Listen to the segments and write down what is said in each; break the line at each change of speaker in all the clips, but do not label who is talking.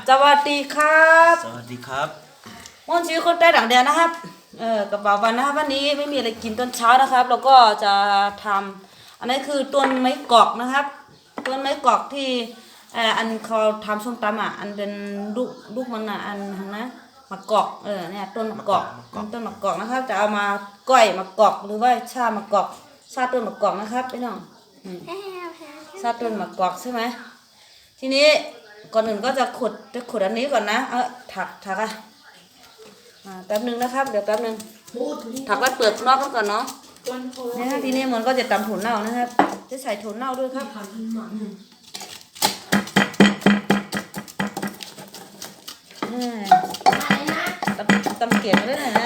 สวัสดีครับ
สวัสดีครับ
ม่อนชีวิตคนใต้ต่างแดนนะครับกระเป๋าวันนะครับวันนี้ไม่มีอะไรกินตอนเช้านะครับแล้วก็จะทำอันนี้คือต้นไม้กอกนะครับต้นไม้กอกที่อันเขาทำส้มตำอ่ะอันเป็นลูกมันอ่ะอันนะมะกอกเนี่ยต้นมะกอกต้นมะกอกนะครับจะเอามาก้อยมะกอกหรือว่าชามะกอกชาต้นมะกอกนะครับพี่น้องชาต้นมะกอกใช่ไหมทีนี้ก่อนอื่นก็จะขุดอันนี้ก่อนนะถักอ่ะแป๊บนึงนะครับเดี๋ยวแป๊บนึงถักแล้วเปลือกนอกก่อนเนาะนี่ฮะทีนี้มันก็จะตำถั่วเน่านะครับจะใส่ถั่วเน่าด้วยครับตำเกลียดด้วยนะ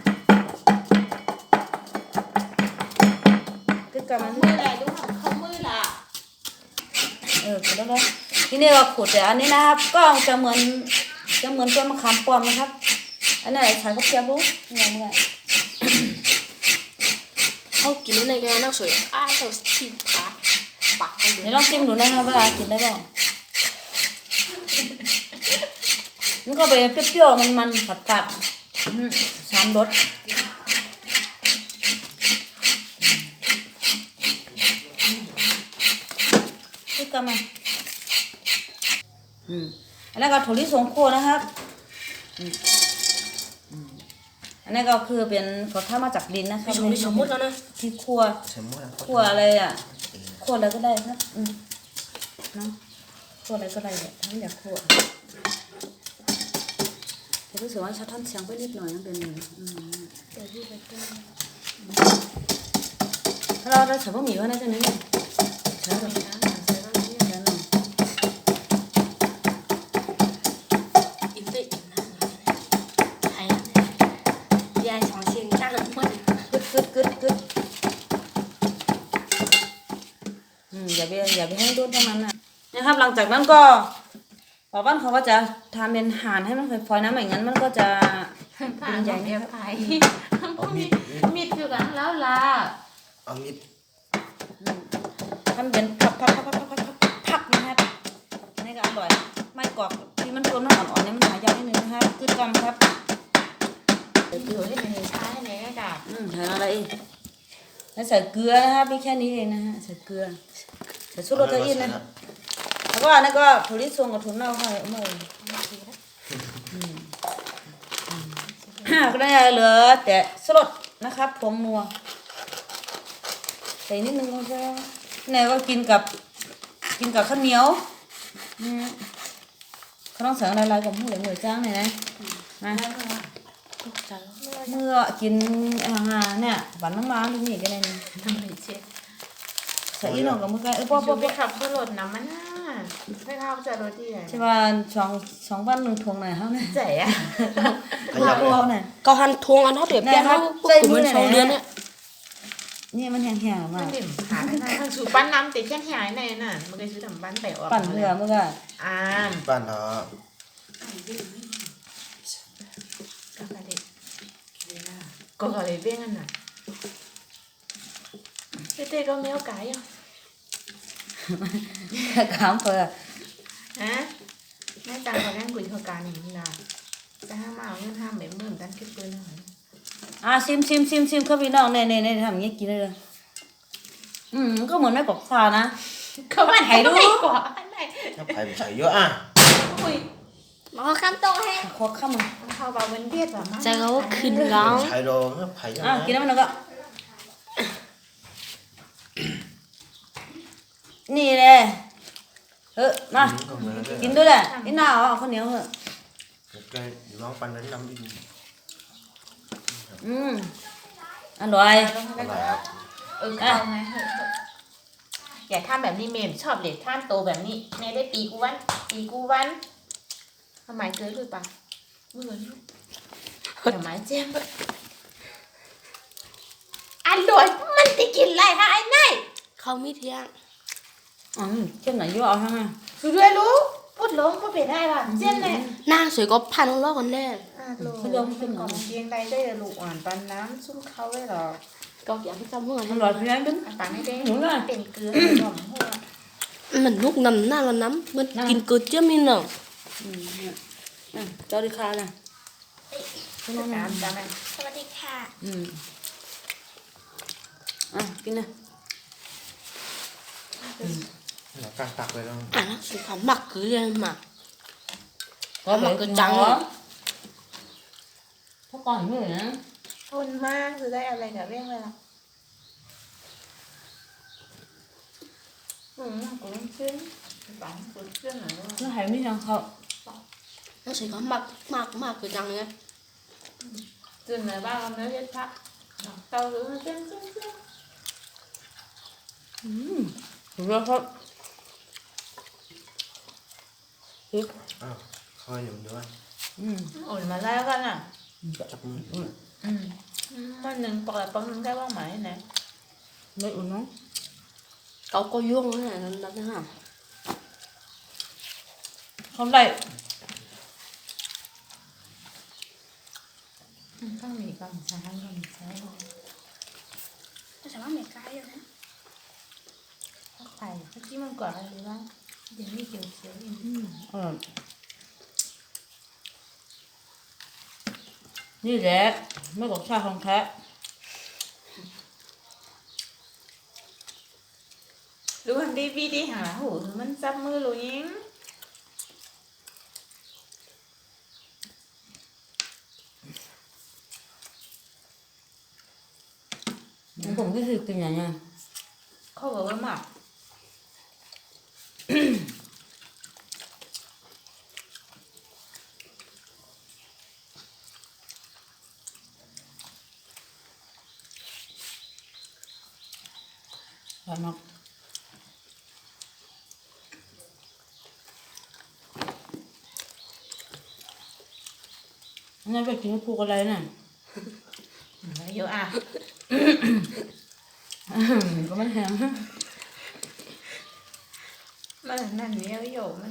ก็กำมัน
มืออะไรดูของเขามือละ
แล้วทีนี้เราขุดแต่อันนี้นะครับก็จะเหมือนต้นมะขามป้อมนะครับอันนี้ใส่กระเทียมรู้นี่ไง
เขากินในแกนักสวยเราชิมขาปักกันเลย
เดี๋ยวลองชิมดูนะครับเวลากินได้บ้างมันก็ไปเปรี้ยวๆมันผัดสามรสนี่ก็มาอันนี้ก็ถั่วลิสงโคนะครับอันนี้ก็คือเป็นเขาทำมาจากดินนะครับ
ไม่สมมุติแล้วนะ
ที่คั่วอะไรอ่ะคั่วอะไรก็ได้ครับเนาะคั่วอะไรก็ได้เนี่ยทั้งอยากคั่วแต่รู้สึกว่าชาท่านเสียงไปนิดหน่อยนั่นเป็น
เดี๋ยวพี่ไปต้ม
ถ้าเราได้ใส่บะหมี่ว่าน่าจะนี่ใช่ไหมกึดอย่าไปให้โดนทั้งนั้นนะครับหลังจากนั้นก็บอกว่าเขาก็จะทำเป็นห่านให้มันฟอยๆนะไม่งั้นมันก็จะ
เป็นใหญ่เนี่ยไปมีดอยู่กันแล้วล่ะ
เอามีด
ทำเป็นพับนะครับนี่ก็อร่อยไม่กรอบที่มันตัวมันอ่อนๆนี่มันหายากนิดนึงนะครับกึดกำครับ
อยู่ที่เป็นช้าในกระดาษ
ใส่อะไรอีกแล้วใส่เกลือนะครับไม่แค่นี้เองนะฮะใส่เกลือใส่ซุปโรตีนะแล้วก็อันนี้ก็ถั่วลิสงกับถั่วเน่าให้โอ้ก็ได้เหลือแต่สลดนะครับผงนัวใส่นิดนึงก็ได้เนี่ยก็กินกับข้าวเหนียวเขาต้องใส่อะไรกับหมูเหลืองจ้างเนี่ยนะเมื่อกินเนี่ยหวานน้ำนี่ก็ได้นี่
ทำเลยเช็ด
ใส่อีหน่อยกับมือกัน
พอไปขับขึ้นรถน้ำมันน่ะไม่เข้าใจรถที่ไหน
ใช่ป่ะสองวันหนึ่งทวงหน่อยเขาเนี่ย
ใจอ่ะ
พวกเนี่ย
ก็หันทวงอันเท่าเดียบเนี่ยเขาใส่มือ2 เดือนเนี่ย
นี่มันแห้งๆมาก
หาได้ทางสูปั้นน้ำติดแค่หายในน่ะมันก็ซื้อทำปั้นแต่ว่า
ปั่นเรือเมื่อกี้
ปั้นเนาะ
ก็เลยเบี้ยกันน่ะเต้ก็ไม่เอาไก่อ่ะ
ขำเพื่อ
ฮะแม่จังเขาแน่นกุยเท่ากันอย่างนี้ล่ะจะห้ามเอาเงินห้ามแบบเมื่อตั้งคิดปืนหน่อย
ชิมครับพี่น้องเนี่ยทำอย่างนี้กินเลยก็เหมือนไม่บอกซานะ
เขาไม่
ให้ดู
กว่า
ถ้าไผ่ใส่เยอะอ่ะ
มาข้ามโต๊ะให้
ขอข้ามมา
เขาบอกมันเบียดแบบจะเขาขึ้นร้อง
ใส่โดนไผ่เยอะ
กินแล้วมันก็นี่เลยมากินด้วยแหละนี่หน้าเอาข้าวเหนียวเหรอ
แกลองปั่นน้ำดิ
อร่อย
เอาไงอย่าทำแบบนี้เมมชอบเลยท่านโตแบบนี้ในได้ปีกูวันทำไมเจอหรือเปล่าเมื่อวันทำไมเจ็บอร่อยมันจะกินไรคะไอ้นายเขามีเที่ยง
เจ็บไหนยุ่งเอาทั้งนั้น
คือด้วยรู้พูดล้มก็เป็นได้ป่ะเจ็บเลย
นางสวยก็พันล้อกันแน่
ไม่ยอมเป็นหรอ
เกียงใดได้ลูกอ่อนปันน้ำซุ่มเขาไว้หรอ
ก็อยากให้จำหัว
อร่อยเพี้ยนดึง
ปันให้ได้เป็นเกลือหอมหัว
มันนุกนำหน้าเราน้ำมันกินเกลือเจ้ามีหนึ่ง
เนี่ยเจ้าดิคาน่ะ
ตามจ้าแม่
สวัสดีค่ะ
กินนะ
เราการตักไปแล้ว
อ่ะนะสุขหมักคือเรียนหมัก
ก็แบบ
กระจัง
ถ้าก่อนไม่เลยนะ
คนมากคือได้อะไรกับเรื่องเลยล่ะcũng chín bạn cũng chín là luôn
แล้วหายไม่ยังเขา
nó sẽ có mặc cái răng nhé
chín là ba con nếu chết thắt tao cứ nó chín chín chín
ถูกแล้วครับ
อ้าวคอยอยู่ด้วย
ủa mà lao con à
จับมือ
con đừng hoặc là con cái bóng mày nè
ไม่อุ่นน้อง
cậu có vuông thế này nó thế nào
ทำได้
con mì con sáng
nó sẽ bắt mẹ cái rồi đấy
có phải cái chí mong quả gì không đừng đi chiều xíu
นี่แหละไม่บอกชาของแท้
đúng không đi vi đi hả hủ thì mình sắp mưa rồi nhé
ผมก็คือกินอย่างเงี้ย
không có mà
ใช่มากนี่ไปกินผูกอะไรน่ะ
vô à
ก็ไม่แห้ง
mà nằm nhiều vô mình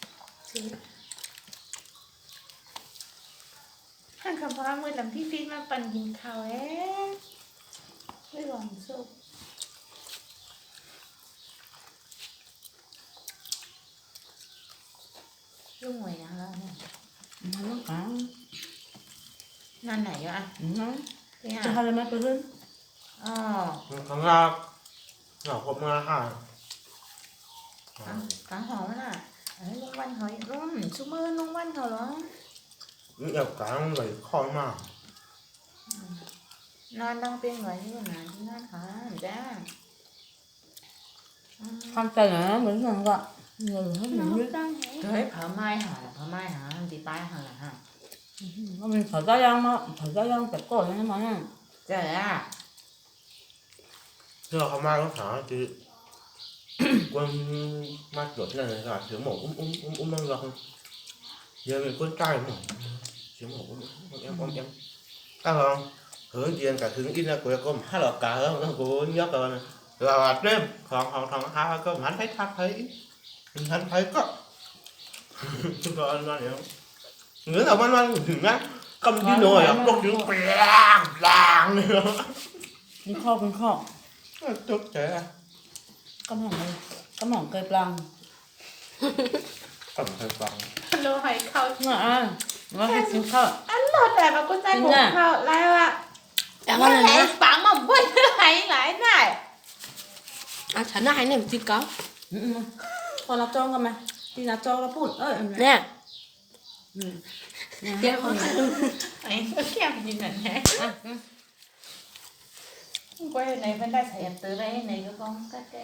hàng khám phá mới làm phi màปั่นกินข้าวไม่หวังสุกลูกหวยยังแล้วเนี่ย
มันต้องการ
งานไหนอยู่อ่ะ
น้อง
พี่อ่ะ
จะทำอะไรมาไปขึ้น
อ๋อ
ข้างล่างเราพบมาค่ะ
cá hổน่ะลุงวันเขารุ่มชูมือลุงวันเขาเหรอ
นี่เอากลางเลยคอยมาก
นอนđangเป็นไว้ที่ไหนที่นั่นค่ะจ้า
ทำใจหน่อยนะเหมือนกันก็เงินให้หนูด้วย
เฮ้ยเผาไม้หาเผาไม้หาตีป้ายหาฮะ
ก็เป็นขาวย่างมาขาวย่างแต่ก่อนใช่ไหม
เจ๊อ่ะ
เชื่อเขามาแล้วหาคือquân ma chuột này là thiếu mổ đang gần giờ mình quân trai mà thiếu mổ em các không hứa tiền cả thứ in là của con hai lọ cả không nó của nhớ rồi này là đêm còn thằng hai con hắn hắn thấy có rồi anh nói hiểu nữa là man thử nhá cầm đi nồi à bốc tiếng làng nữa
นี่ข้อเป็นข้อ
tốt trẻ
กำหองเลยกำหองเกยปลัง
cầm thời vàng
โลหอยเขา
น่ะว่าให้กินข้าว
อันหลอดแต่มากูใจผมเขาแล้วอ่ะ
em
ว่า
ăn
ไหน
này
ปังมาบ้วนไหนไหนไหน
à chả này này chỉ có
พอเราจ้องกันไหมที่เราจ้องเราพูด
nè
เนี่ย
em ăn
ไอ้ก็แค่ยินนั่นแหละquay này vẫn đã xảy từ đây này có con cắt cái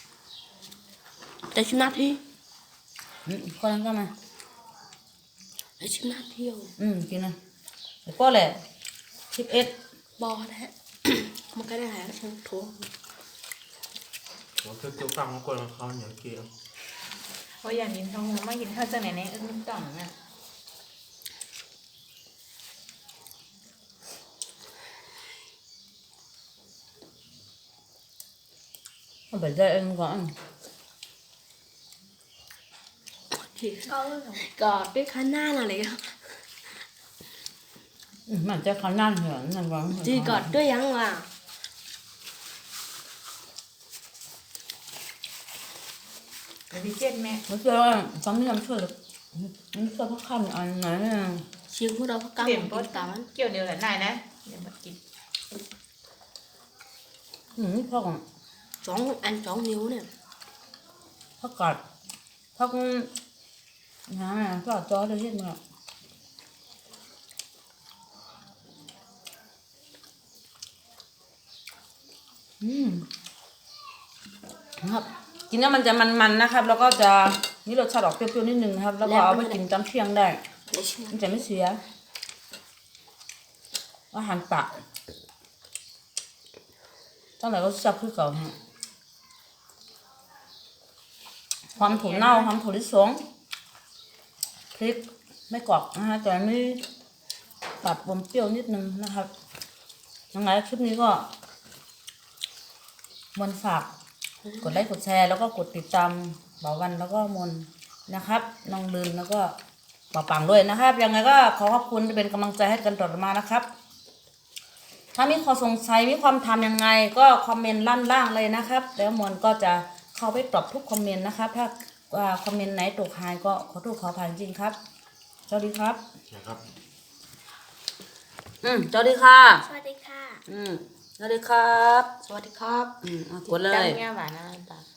để chim nát đi
คนนั้นก็มา
để chim nát thiêu
กินนะแต่ก็แหละ11
bò đấy một cái này là xong thua
Ủa cái tiêu căng của con không nhớ kia
ôi giờ nhìn không mà nhìn theo chân này này ưng tổng nè
เอาไปได้เองก่อน
thì gọt cái khá na là lấy
มันจะเขานั่นเหรอนั่นวาง
chỉ gọt đôi ăn mà
bởi vì chết mẹ
ไม่เชื่อว่าฟังนี่ทำช่วยหรือนี่ก็พักคำอันไหนเนี่ย
เชียงพวกเราพักกลาง
เปลี่ยน
กิ
ปด
นตามมัน
เกี่ยวเดียวแหละนายนะเดี๋ยวมากิน
พ่อของ
สองนิ้วเนี่ย
พักกัดพักนะก็จอได้เห็นมั้ยครับกินแล้วมันจะมันๆนะครับ แล้วก็จะนี่รสชาติออกเปรี้ยวๆนิดนึงนะครับ แล้วก็เอาไปกินจำเที่ยงได้
เดี๋ยวชิม
มันจะไม่เสียอาหารปากตั้งแต่ก็จับคือเก่าฮะความถั่วเน่าความถั่วลิสงพริกไม่กรอกนะฮะแต่ไม่ตัดปมเปรี้ยวนิดนึงนะครับยังไงคลิปนี้ก็มนฝากกดไลค์กดแชร์แล้วก็กดติดตามเบาวันแล้วก็มนนะครับน้องลืนแล้วก็ป่าปังด้วยนะครับยังไงก็ขอขอบคุณที่เป็นกำลังใจให้กันต่อมานะครับถ้ามีข้อสงสัยมีความทำยังไงก็คอมเมนต์ล่างเลยนะครับแล้วมนก็จะเข้าไปตอบทุกคอมเมนต์นะครับถ้าคอมเมนต์ไหนตกหายก็ขอโทษขออภัยจริงครับสวัสดีครับ
นะครับ
สวัสดีค่ะ
สวัสดีค่ะ
สวัสดีครับ
สวัสดีครับ
กดเลย
จังเงี้ยหวานนะตา